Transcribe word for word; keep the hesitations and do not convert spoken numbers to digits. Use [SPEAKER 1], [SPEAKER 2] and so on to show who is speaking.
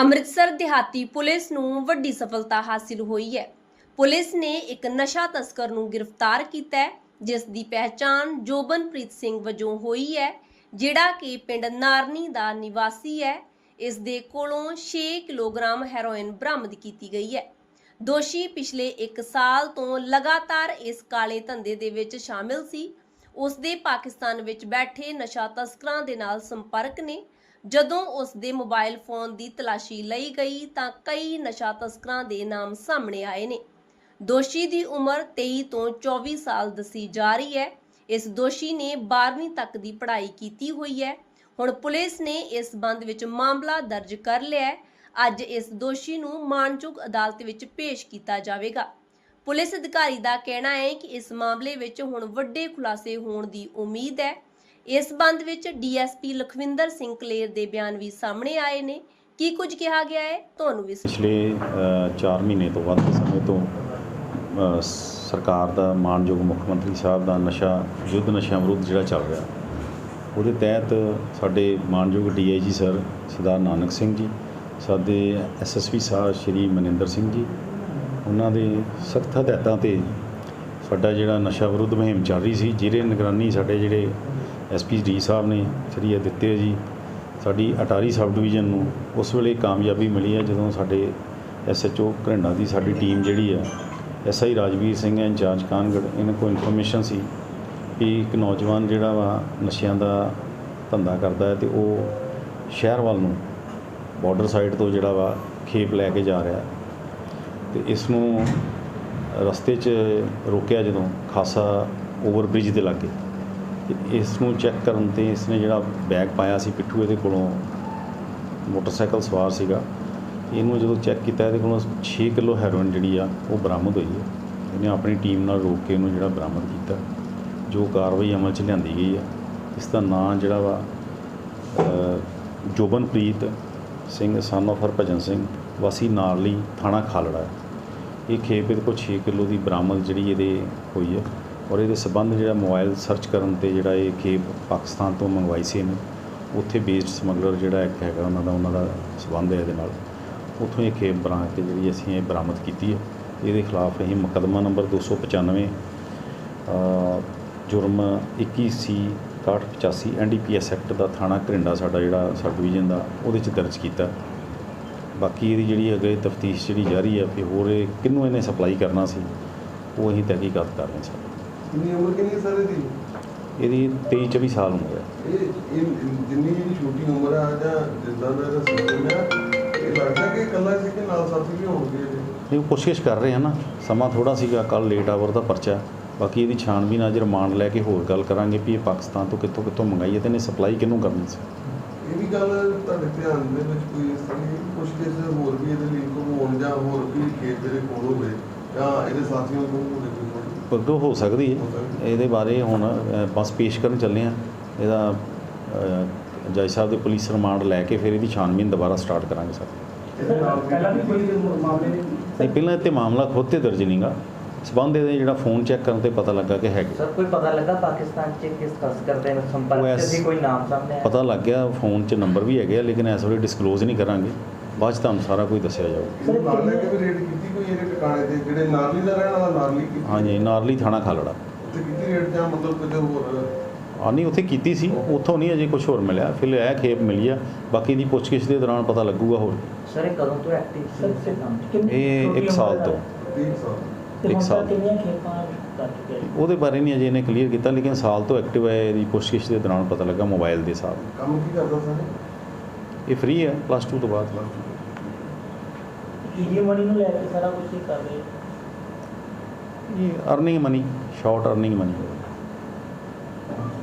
[SPEAKER 1] ਅੰਮ੍ਰਿਤਸਰ ਦਿਹਾਤੀ ਪੁਲਿਸ ਨੂੰ ਵੱਡੀ ਸਫਲਤਾ ਹਾਸਿਲ ਹੋਈ ਹੈ। ਪੁਲਿਸ ਨੇ ਇੱਕ ਨਸ਼ਾ ਤਸਕਰ ਨੂੰ ਗ੍ਰਿਫਤਾਰ ਕੀਤਾ ਹੈ, ਜਿਸ ਦੀ ਪਹਿਚਾਣ ਜੋਬਨਪ੍ਰੀਤ ਸਿੰਘ ਵਜੋਂ ਹੋਈ ਹੈ, ਜਿਹੜਾ ਕਿ ਪਿੰਡ ਨਾਰਨੀ ਦਾ ਨਿਵਾਸੀ ਹੈ। ਇਸ ਦੇ ਕੋਲੋਂ ਛੇ ਕਿਲੋਗ੍ਰਾਮ ਹੈਰੋਇਨ ਬਰਾਮਦ ਕੀਤੀ ਗਈ ਹੈ। ਦੋਸ਼ੀ ਪਿਛਲੇ ਇੱਕ ਸਾਲ ਤੋਂ ਲਗਾਤਾਰ ਇਸ ਕਾਲੇ ਧੰਦੇ ਦੇ ਵਿੱਚ ਸ਼ਾਮਿਲ ਸੀ। ਉਸ ਦੇ ਪਾਕਿਸਤਾਨ ਵਿੱਚ ਬੈਠੇ ਨਸ਼ਾ ਤਸਕਰਾਂ ਦੇ ਨਾਲ ਸੰਪਰਕ ਨੇ। ਜਦੋਂ ਉਸ ਦੇ ਮੋਬਾਈਲ ਫੋਨ ਦੀ ਤਲਾਸ਼ੀ ਲਈ ਗਈ ਤਾਂ ਕਈ ਨਸ਼ਾ ਤਸਕਰਾਂ ਦੇ ਨਾਮ ਸਾਹਮਣੇ ਆਏ ਨੇ। ਦੋਸ਼ੀ ਦੀ ਉਮਰ ਤੇਈ ਤੋਂ ਚੌਵੀ ਸਾਲ ਦੱਸੀ ਜਾ ਰਹੀ ਹੈ। ਇਸ ਦੋਸ਼ੀ ਨੇ ਬਾਰ੍ਹਵੀਂ ਤੱਕ ਦੀ ਪੜ੍ਹਾਈ ਕੀਤੀ ਹੋਈ ਹੈ। ਹੁਣ ਪੁਲਿਸ ਨੇ ਇਸ ਸੰਬੰਧ ਵਿੱਚ ਮਾਮਲਾ ਦਰਜ ਕਰ ਲਿਆ ਹੈ। ਅੱਜ ਇਸ ਦੋਸ਼ੀ ਨੂੰ ਮਾਣਯੋਗ ਅਦਾਲਤ ਵਿੱਚ ਪੇਸ਼ ਕੀਤਾ ਜਾਵੇਗਾ। ਪੁਲਿਸ ਅਧਿਕਾਰੀ ਦਾ ਕਹਿਣਾ ਹੈ ਕਿ ਇਸ ਮਾਮਲੇ ਵਿੱਚ ਹੁਣ ਵੱਡੇ ਖੁਲਾਸੇ ਹੋਣ ਦੀ ਉਮੀਦ ਹੈ। ਇਸ ਸੰਬੰਧ ਵਿੱਚ ਡੀਐਸਪੀ ਲਖਵਿੰਦਰ ਸਿੰਘ ਕਲੇਰ ਦੇ ਬਿਆਨ ਵੀ ਸਾਹਮਣੇ ਆਏ ਨੇ। ਕੀ ਕੁਝ ਕਿਹਾ ਗਿਆ ਹੈ ਤੁਹਾਨੂੰ ਵੀ।
[SPEAKER 2] ਪਿਛਲੇ ਚਾਰ ਮਹੀਨੇ ਤੋਂ ਵੱਧ ਸਮੇਂ ਤੋਂ ਸਰਕਾਰ ਦਾ ਮਾਣਯੋਗ ਮੁੱਖ ਮੰਤਰੀ ਸਾਹਿਬ ਦਾ ਨਸ਼ਾ ਯੁੱਧ ਨਸ਼ਿਆਂ ਵਿਰੁੱਧ ਜਿਹੜਾ ਚੱਲ ਰਿਹਾ, ਉਹਦੇ ਤਹਿਤ ਸਾਡੇ ਮਾਣਯੋਗ ਡੀ ਆਈ ਜੀ ਸਰ ਸਰਦਾਰ ਨਾਨਕ ਸਿੰਘ ਜੀ, ਸਾਡੇ ਐਸ ਐਸ ਪੀ ਸਾਹਿਬ ਸ਼੍ਰੀ ਮਨਿੰਦਰ ਸਿੰਘ ਜੀ, ਉਹਨਾਂ ਦੇ ਸਖਤ ਹਦਾਇਤਾਂ 'ਤੇ ਸਾਡਾ ਜਿਹੜਾ ਨਸ਼ਾ ਵਿਰੁੱਧ ਮੁਹਿੰਮ ਚੱਲ ਰਹੀ ਸੀ, ਜਿਹਦੇ ਨਿਗਰਾਨੀ ਸਾਡੇ ਜਿਹੜੇ ਐਸ ਪੀ ਡੀ ਸਾਹਿਬ ਨੇ ਸ਼੍ਰੀ ਦਿੱਤੇ ਜੀ। ਸਾਡੀ ਅਟਾਰੀ ਸਬ ਡਿਵੀਜ਼ਨ ਨੂੰ ਉਸ ਵੇਲੇ ਕਾਮਯਾਬੀ ਮਿਲੀ ਹੈ ਜਦੋਂ ਸਾਡੇ ਐਸ ਐਚ ਓ ਘਰਿੰਡਾ ਦੀ ਸਾਡੀ ਟੀਮ ਜਿਹੜੀ ਹੈ, ਐਸ ਆਈ ਰਾਜਵੀਰ ਸਿੰਘ ਹੈ ਇੰਚਾਰਜ ਕਾਨਗੜ, ਇਹਨਾਂ ਕੋਲ ਇਨਫੋਰਮੇਸ਼ਨ ਸੀ ਕਿ ਇੱਕ ਨੌਜਵਾਨ ਜਿਹੜਾ ਵਾ ਨਸ਼ਿਆਂ ਦਾ ਧੰਦਾ ਕਰਦਾ ਹੈ ਅਤੇ ਉਹ ਸ਼ਹਿਰ ਵੱਲ ਨੂੰ ਬਾਰਡਰ ਸਾਈਡ ਤੋਂ ਜਿਹੜਾ ਵਾ ਖੇਪ ਲੈ ਕੇ ਜਾ ਰਿਹਾ, ਅਤੇ ਇਸ ਨੂੰ ਰਸਤੇ 'ਚ ਰੋਕਿਆ ਜਦੋਂ ਖਾਸਾ ਓਵਰ ਬ੍ਰਿਜ ਦੇ ਲਾਗੇ। ਅਤੇ ਇਸ ਨੂੰ ਚੈੱਕ ਕਰਨ 'ਤੇ ਇਸਨੇ ਜਿਹੜਾ ਬੈਗ ਪਾਇਆ ਸੀ ਪਿੱਠੂ, ਇਹਦੇ ਕੋਲੋਂ ਮੋਟਰਸਾਈਕਲ ਸਵਾਰ ਸੀਗਾ, ਇਹਨੂੰ ਜਦੋਂ ਚੈੱਕ ਕੀਤਾ ਇਹਦੇ ਕੋਲੋਂ ਛੇ ਕਿਲੋ ਹੈਰੋਇਨ ਜਿਹੜੀ ਆ ਉਹ ਬਰਾਮਦ ਹੋਈ ਹੈ। ਇਹਨੇ ਆਪਣੀ ਟੀਮ ਨਾਲ ਰੋਕ ਕੇ ਇਹਨੂੰ ਜਿਹੜਾ ਬਰਾਮਦ ਕੀਤਾ, ਜੋ ਕਾਰਵਾਈ ਅਮਲ 'ਚ ਲਿਆਂਦੀ ਗਈ ਹੈ। ਇਸ ਦਾ ਨਾਂ ਜਿਹੜਾ ਵਾ ਜੋਬਨਪ੍ਰੀਤ ਸਿੰਘ ਸਨ ਆਫ ਹਰਭਜਨ ਸਿੰਘ ਵਾਸੀ ਨਾਰਲੀ ਥਾਣਾ ਖਾਲੜਾ। ਇਹ ਖੇਪ ਇਹਦੇ ਕੋਲ ਛੇ ਕਿਲੋ ਦੀ ਬਰਾਮਦ ਜਿਹੜੀ ਇਹਦੇ ਹੋਈ ਹੈ, ਔਰ ਇਹਦੇ ਸੰਬੰਧ ਜਿਹੜਾ ਮੋਬਾਈਲ ਸਰਚ ਕਰਨ 'ਤੇ ਜਿਹੜਾ ਇਹ ਖੇਪ ਪਾਕਿਸਤਾਨ ਤੋਂ ਮੰਗਵਾਈ ਸੀ ਇਹਨੇ, ਉੱਥੇ ਬੇਸਡ ਸਮਗਲਰ ਜਿਹੜਾ ਇੱਕ ਹੈਗਾ ਉਹਨਾਂ ਦਾ ਉਹਨਾਂ ਦਾ ਸੰਬੰਧ ਹੈ ਇਹਦੇ ਨਾਲ, ਉੱਥੋਂ ਇਹ ਖੇਪ ਬਣਾ ਕੇ ਜਿਹੜੀ ਅਸੀਂ ਇਹ ਬਰਾਮਦ ਕੀਤੀ ਹੈ। ਇਹਦੇ ਖਿਲਾਫ ਅਸੀਂ ਮੁਕੱਦਮਾ ਨੰਬਰ ਦੋ ਸੌ ਪਚਾਨਵੇਂ ਜੁਰਮ ਇੱਕੀ ਸੀ ਇਕਾਹਠ ਪਚਾਸੀ N D P S act ਦਾ ਥਾਣਾ ਘਰਿੰਡਾ ਸਾਡਾ ਜਿਹੜਾ ਸਬ ਡਿਵੀਜ਼ਨ ਦਾ ਉਹਦੇ 'ਚ ਦਰਜ ਕੀਤਾ। ਬਾਕੀ ਇਹਦੀ ਜਿਹੜੀ ਅੱਗੇ ਤਫਤੀਸ਼ ਜਿਹੜੀ ਜਾਰੀ ਹੈ ਕਿ ਹੋਰ ਇਹ ਕਿਹਨੂੰ ਇਹਨੇ ਸਪਲਾਈ ਕਰਨਾ ਸੀ, ਉਹ ਅਸੀਂ ਤਹਿਕੀਕਾਤ ਕਰ ਰਹੇ ਸਰ।
[SPEAKER 3] ਕਿੰਨੀ ਉਮਰ ਕਿੰਨੀ ਹੈ ਸਰ ਇਹਦੀ?
[SPEAKER 2] ਇਹਦੀ ਤੇਈ ਚੌਵੀ ਸਾਲ ਉਮਰ ਹੈ।
[SPEAKER 3] ਇਹ ਇਹ ਜਿੰਨੀ ਇਹਦੀ ਛੋਟੀ ਉਮਰ ਆ ਜਾਂ ਜਿੱਦਾਂ ਦਾ ਇਹਦਾ ਸਿਸਟਮ ਆ, ਇਹ ਲੱਗਦਾ ਕਿ ਇਕੱਲਾ ਸੀ ਕਿ ਨਾਲ ਸਾਥੀ ਵੀ ਹੋਣਗੇ ਇਹਦੇ?
[SPEAKER 2] ਇਹ ਕੋਸ਼ਿਸ਼ ਕਰ ਰਹੇ ਹਾਂ ਨਾ, ਸਮਾਂ ਥੋੜ੍ਹਾ ਸੀਗਾ, ਕੱਲ੍ਹ ਲੇਟ ਆਵਰ ਦਾ ਪਰਚਾ। ਬਾਕੀ ਇਹਦੀ ਛਾਣਬੀਨ ਅੱਜ ਰਿਮਾਂਡ ਲੈ ਕੇ ਹੋਰ ਗੱਲ ਕਰਾਂਗੇ ਵੀ ਇਹ ਪਾਕਿਸਤਾਨ ਤੋਂ ਕਿੱਥੋਂ ਕਿੱਥੋਂ ਮੰਗਾਈ ਹੈ ਅਤੇ ਇਹਨੇ ਸਪਲਾਈ ਕਿਹਨੂੰ ਕਰਨੀ ਸੀ।
[SPEAKER 3] ਇਹ ਵੀ ਗੱਲ ਤੁਹਾਡੇ ਧਿਆਨ ਦੇ ਵਿੱਚ ਕੋਈ ਇਸ ਤਰ੍ਹਾਂ ਦੀ ਕੁਛ ਕੇਸ ਹੋਰ ਵੀ ਇਹਦੇ ਲਿੰਕ ਹੋਣ ਜਾਂ ਹੋਰ ਵੀ ਖੇਤ ਦੇ ਕੋਲ ਹੋਵੇ ਜਾਂ ਇਹਦੇ ਸਾਥੀਆਂ ਕੋਲ ਹੋਵੇ?
[SPEAKER 2] ਪਰਦੋ ਹੋ ਸਕਦੀ ਹੈ, ਇਹਦੇ ਬਾਰੇ ਹੁਣ ਬਸ ਪੇਸ਼ ਕਰਨ ਚੱਲੇ ਹਾਂ। ਇਹਦਾ ਜੱਜ ਸਾਹਿਬ ਦੇ ਪੁਲਿਸ ਰਿਮਾਂਡ ਲੈ ਕੇ ਫਿਰ ਇਹਦੀ ਛਾਣਬੀਨ ਦੁਬਾਰਾ ਸਟਾਰਟ ਕਰਾਂਗੇ ਸਰ।
[SPEAKER 4] ਪਹਿਲਾਂ ਵੀ ਕੋਈ ਮਾਮਲੇ
[SPEAKER 2] ਨਹੀਂ, ਪਹਿਲਾਂ ਇੱਥੇ ਮਾਮਲਾ ਖੁਦ 'ਤੇ ਦਰਜ ਨਹੀਂਗਾ, ਸਬੰਧ ਇਹਦੇ ਜਿਹੜਾ ਫੋਨ ਚੈੱਕ ਕਰਨ 'ਤੇ ਪਤਾ ਲੱਗਾ ਕਿ ਹੈਗੇ।
[SPEAKER 4] ਸਰ ਕੋਈ ਪਤਾ ਲੱਗਾ ਪਾਕਿਸਤਾਨ 'ਚ ਕਿਸ ਤਸਕਰ ਦੇ ਸੰਪਰਕ 'ਚ ਸੀ, ਕੋਈ ਨਾਮ ਸਾਹਮਣੇ ਆਇਆ?
[SPEAKER 2] ਪਤਾ ਲੱਗ ਗਿਆ, ਫੋਨ 'ਚ ਨੰਬਰ ਵੀ ਹੈਗੇ ਆ, ਲੇਕਿਨ ਇਸ ਵੇਲੇ ਡਿਸਕਲੋਜ਼ ਨਹੀਂ ਕਰਾਂਗੇ, ਬਾਅਦ 'ਚ ਤੁਹਾਨੂੰ ਸਾਰਾ ਕੁਝ ਦੱਸਿਆ ਜਾਊਗਾ।
[SPEAKER 3] ਇਹ ਨਾਲ ਲੈ ਕੇ ਵੀ ਰੇਡ ਕੀਤੀ ਕੋਈ ਇਹਦੇ ਟਿਕਾਣੇ 'ਤੇ ਜਿਹੜੇ ਨਾਰਲੀ ਦਾ ਰਹਿਣ ਵਾਲਾ ਨਾਰਲੀ ਕੀਤੀ?
[SPEAKER 2] ਹਾਂਜੀ, ਨਾਰਲੀ ਥਾਣਾ ਖਾਲੜਾ
[SPEAKER 3] ਉੱਥੇ ਕੀਤੀ ਰੇਡ ਜਾਂ ਮਤਲਬ ਕੁਝ ਹੋਰ?
[SPEAKER 2] ਹਾਂ ਨਹੀਂ, ਉੱਥੇ ਕੀਤੀ ਸੀ, ਉੱਥੋਂ ਨਹੀਂ ਅਜੇ ਕੁਝ ਹੋਰ ਮਿਲਿਆ, ਫਿਰ ਇਹ ਖੇਪ ਮਿਲੀ ਆ। ਬਾਕੀ ਦੀ ਪੁੱਛਗਿੱਛ ਦੇ ਦੌਰਾਨ ਪਤਾ ਲੱਗੂਗਾ ਹੋਰ।
[SPEAKER 4] ਸਰ ਇਹ ਕਦੋਂ ਤੋਂ ਐਕਟਿਵ ਸੀ?
[SPEAKER 2] ਇਹ ਇੱਕ ਸਾਲ ਤੋਂ
[SPEAKER 3] ਤੀਹ ਸਾਲ
[SPEAKER 2] ਇੱਕ ਸਾਲ ਉਹਦੇ ਬਾਰੇ ਨਹੀਂ ਅਜੇ ਇਹਨੇ ਕਲੀਅਰ ਕੀਤਾ, ਲੇਕਿਨ ਸਾਲ ਤੋਂ ਐਕਟਿਵ ਹੈ। ਇਹਦੀ ਪੁੱਛਗਿੱਛ ਦੇ ਦੌਰਾਨ ਪਤਾ ਲੱਗਾ ਮੋਬਾਈਲ ਦੇ ਹਿਸਾਬ।
[SPEAKER 3] ਕੰਮ ਕੀ ਕਰਦਾ ਸਰ?
[SPEAKER 2] ਇਹ ਫ੍ਰੀ ਹੈ ਪਲੱਸ ਟੂ ਤੋਂ ਬਾਅਦ।
[SPEAKER 4] ਈਡੀ ਮਨੀ ਨੂੰ ਲੈ ਕੇ ਸਾਰਾ ਕੁਝ ਹੀ ਕਰ ਰਹੇ?
[SPEAKER 2] ਇਹ earning money, short earning money.